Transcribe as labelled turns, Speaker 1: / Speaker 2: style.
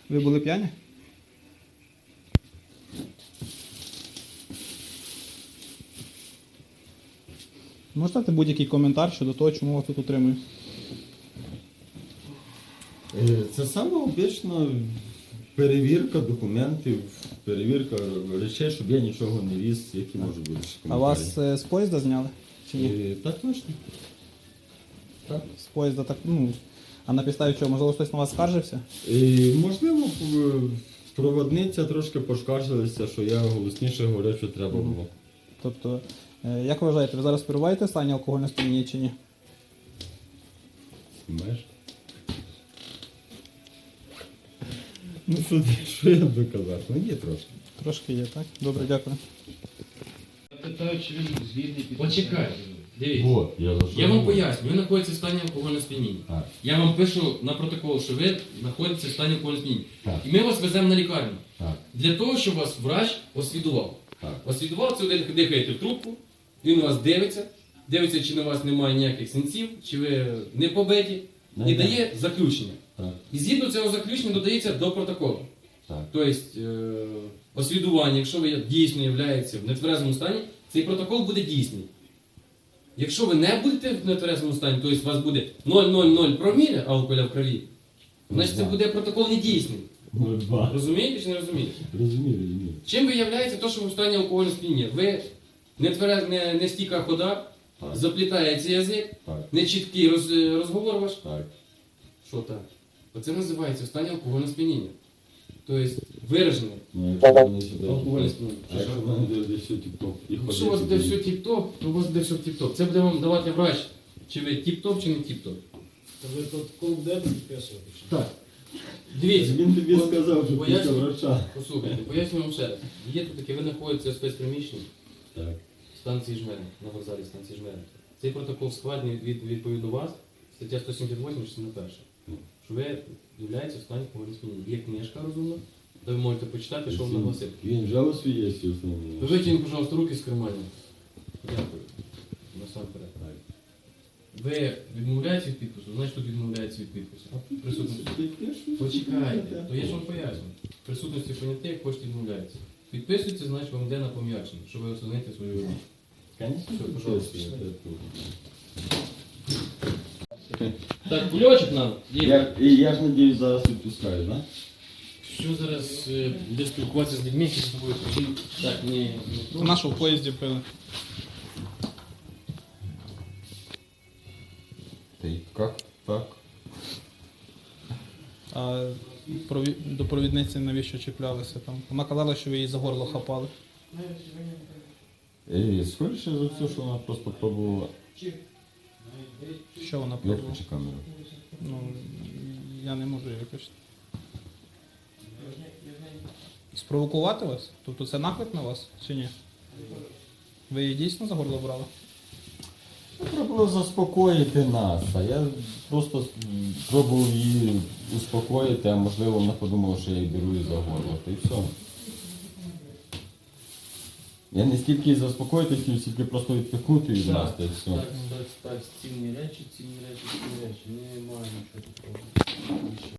Speaker 1: Ви були п'яні? Можете дати будь-який коментар щодо того, чому вас тут утримують?
Speaker 2: Це саме обична перевірка документів, перевірка речей, щоб я нічого не віз, які можуть бути ще
Speaker 1: А
Speaker 2: коментарі.
Speaker 1: вас з поїзда зняли? Чи ні?
Speaker 2: Так точно. Так.
Speaker 1: З поїзда так, ну, а на підставі чого? Можливо, хтось на вас скаржився?
Speaker 2: Можливо, проводниця трошки поскаржилася, що я голосніше говорив, що треба було.
Speaker 1: Тобто, як ви вважаєте, ви зараз перебуваєте в стані алкогольного сп'яніння чи ні?
Speaker 2: Знаєш? Ну, що я доказав? Ну, є трошки.
Speaker 1: Трошки є, так? Добре, дякую.
Speaker 3: Питаю, чи він звільний під...
Speaker 4: Почекайте, дивіться.
Speaker 2: Вот,
Speaker 4: Я вам поясню, ви знаходитеся в стані алкогольного сп'яніння.
Speaker 2: Так.
Speaker 4: Я вам пишу на протокол, що ви знаходитеся в стані алкогольного сп'яніння.
Speaker 2: Так.
Speaker 4: І ми вас веземо на лікарню.
Speaker 2: Так.
Speaker 4: Для того, щоб вас врач освідував.
Speaker 2: Так.
Speaker 4: Освідував, це ви дихаєте в трубку, він вас дивиться, чи на вас немає ніяких синців, чи ви не побиті, і дає заключення.
Speaker 2: Так.
Speaker 4: І згідно цього заключення додається до протоколу.
Speaker 2: Так.
Speaker 4: Тобто, освідування, якщо ви дійсно являєтеся в нетверезому стані, цей протокол буде дійсний. Якщо ви не будете в нетверезому стані, тобто у вас буде 0,00 проміля алкоголя в крові, значить це буде протокол недійсний.
Speaker 2: 0,2.
Speaker 4: Розумієте чи не розумієте?
Speaker 2: Розумію.
Speaker 4: Чим виявляється те, що ви в стані алкогольного сп'яніння? Ви не стійка хода,
Speaker 2: Так.
Speaker 4: заплітається язик,
Speaker 2: Так.
Speaker 4: нечіткий розговор ваш.
Speaker 2: Так.
Speaker 4: Що так? Оце називається в стані алкогольного сп'яніння. Тобто виражене
Speaker 2: Ну, якщо вони сюди...
Speaker 4: алкогольне сп'яніння.
Speaker 2: А якщо вони дивляться все тіп-топ і
Speaker 4: Якщо у вас буде все тіп-топ, то у вас буде все тіп-топ. Це буде вам давати врач, чи ви тіп-топ, чи не тіп-топ.
Speaker 3: То ви протокол будете підписувати?
Speaker 2: Так.
Speaker 4: Дивіться,
Speaker 2: Він тобі
Speaker 4: от
Speaker 2: сказав, що після
Speaker 4: поясню-
Speaker 2: врача.
Speaker 4: Послухайте, поясню вам ще раз. Є тут таке, ви знаходитеся в спецприміщенні
Speaker 2: Так.
Speaker 4: станції Жмерин, на вокзалі станції Жмерин. Цей протокол складний відповідно вас, стаття 178, частина перша. Що ви являєтеся в стані алкогольного сп'яніння. Є книжка розумна, де ви можете почитати, що вам наголосив.
Speaker 2: Він вже освієсті основні.
Speaker 4: Ви витягніть, пожалуйста, руки з карманів. Дякую. Насамперед. Ви відмовляєтеся від підпису? Значить, тут відмовляється від підпису. Присутності. Почекайте, то я ж вам поясню. Присутності понятих, хочете відмовляється. Підписується, значить вам йде на пом'якшення, щоб ви оцінити свою вину. Все, пожалуйста. Так, кульочок нам.
Speaker 2: Я ж надіюсь, зараз відпускаю, так?
Speaker 4: Що зараз буде спілкуватися з людьми, які з тобою хотіли? Так, ні.
Speaker 1: Нашу в поїзді пили.
Speaker 2: Ти як так?
Speaker 1: А до провідниці навіщо чіплялися там? Вона казала, що ви її за горло хапали.
Speaker 2: Скоріше за все, що вона просто пробувала
Speaker 1: Що вона пробувала?
Speaker 2: виключи камеру.
Speaker 1: Ну, я не можу її виключити. Спровокувати вас? Тобто це наклик на вас чи ні? Ви її дійсно за горло брали?
Speaker 2: Треба було заспокоїти нас, а я просто пробував її успокоїти, а можливо вона подумала, що я її беру і за горло, та й все. Я не стільки її заспокоїти хотів, стільки просто відпихнути від нас, та й все.
Speaker 4: Так, цінні речі, немає нічого такого.